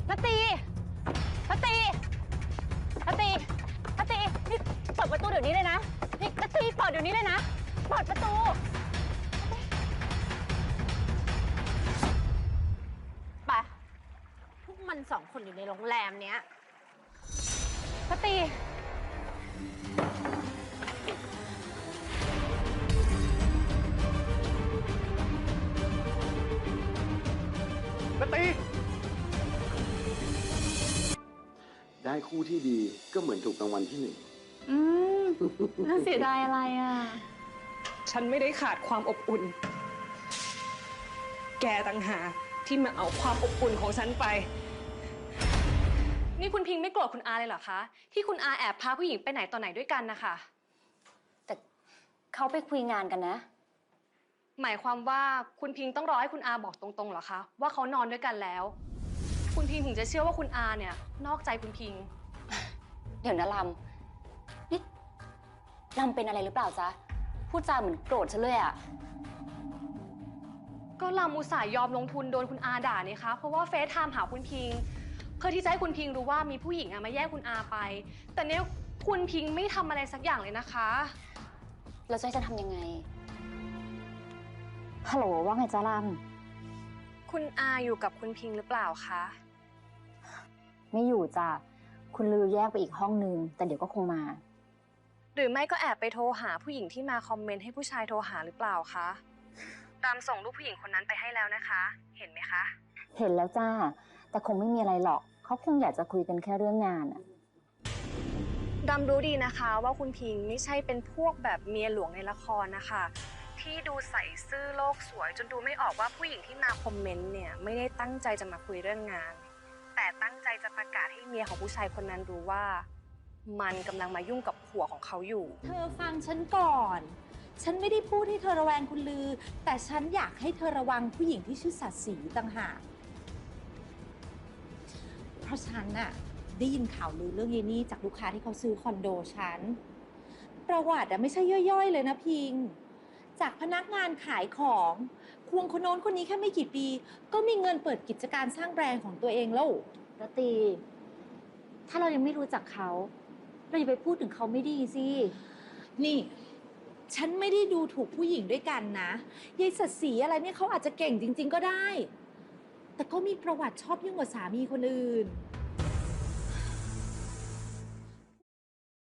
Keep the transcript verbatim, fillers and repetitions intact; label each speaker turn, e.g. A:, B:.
A: นตีนตีนตีนตีนี่เปิดประตูเดี๋ยวนี้เลยนะนี่นตีเปิดเดี๋ยวนี้เลยนะเปิดประตูไปพวกมันสองคนอยู่ในโรงแรมเนี้ยนตี
B: นตี
C: ได้คู่ที่ดีก็เหมือนถูกรางวัลที่หนึ่ง
A: อืมน่าเสียดายอะไรอ่ะ
D: ฉันไม่ได้ขาดความอบอุ่นแกต่างหากที่มาเอาความอบอุ่นของฉันไป
E: นี่คุณพิงไม่โกรธคุณอาเลยเหรอคะที่คุณอาแอบพาผู้หญิงไปไหนต่อไหนด้วยกันนะคะ
A: แต่เขาไปคุยงานกันนะ
E: หมายความว่าคุณพิงต้องรอให้คุณอาบอกตรงๆเหรอคะว่าเขานอนด้วยกันแล้วคุณพิงถึงจะเชื่อว่าคุณอาเนี่ยนอกใจคุณพิง
A: เดี๋ยวนะลำนี่ลำเป็นอะไรหรือเปล่าจ๊ะพูดจาเหมือนโกรธฉันเลยอะ
E: ก็ลำอุตส่าห์ยอมลงทุนโดนคุณอาด่าเนี่ยคะเพราะว่าเฟซไทม์หาคุณพิงเพื่อที่จะให้คุณพิงรู้ว่ามีผู้หญิงอะมาแย่งคุณอาไปแต่เนี้ยคุณพิงไม่ทำอะไรสักอย่างเลยนะคะ
A: แล้วจะให้ฉันทำยังไงฮัลโหลว่าไงจ๊ะลำ
E: คุณอาอยู่กับคุณพิงหรือเปล่าคะ
A: ไม่อยู่จ้ะคุณลือแยกไปอีกห้องนึงแต่เดี๋ยวก็คงมา
E: หรือไม่ก็แอบไปโทรหาผู้หญิงที่มาคอมเมนต์ให้ผู้ชายโทรหาหรือเปล่าคะตามส่งรูปผู้หญิงคนนั้นไปให้แล้วนะคะเห็นไหมคะ
A: เห็นแล้วจ้าแต่คงไม่มีอะไรหรอกเขาคงอยากจะคุยกันแค่เรื่องงานอะ
E: ดำรู้ดีนะคะว่าคุณพิงไม่ใช่เป็นพวกแบบเมียหลวงในละครนะคะที่ดูใส่ซื่อโลกสวยจนดูไม่ออกว่าผู้หญิงที่มาคอมเมนต์เนี่ยไม่ได้ตั้งใจจะมาคุยเรื่องงานแต่ตั้งใจจะประกาศให้เมียของผู้ชายคนนั้นรู้ว่ามันกำลังมายุ่งกับผัวของเขาอยู่
F: เธอฟังฉันก่อนฉันไม่ได้พูดให้เธอระแวงคุณลือแต่ฉันอยากให้เธอระวังผู้หญิงที่ชื่อสัตย์ศรีต่างหากเพราะฉันน่ะได้ยินข่าวลือเรื่องยายนี่จากลูกค้าที่เขาซื้อคอนโดฉันประวัติอะไม่ใช่ย่อยๆเลยนะพิงจากพนักงานขายของควงคนโน้นคนนี้แค่ไม่กี่ปีก็มีเงินเปิดกิจการสร้างแบรนด์ของตัวเองแล้ว
A: รัตตีถ้าเรายังไม่รู้จักเขาเราอย่าไปพูดถึงเขาไม่ดีสิ
F: นี่ฉันไม่ได้ดูถูกผู้หญิงด้วยกันนะยายสัตย์ศรีอะไรเนี่ยเขาอาจจะเก่งจริงๆก็ได้แต่ก็มีประวัติชอบยุ่งกับสามีคนอื่น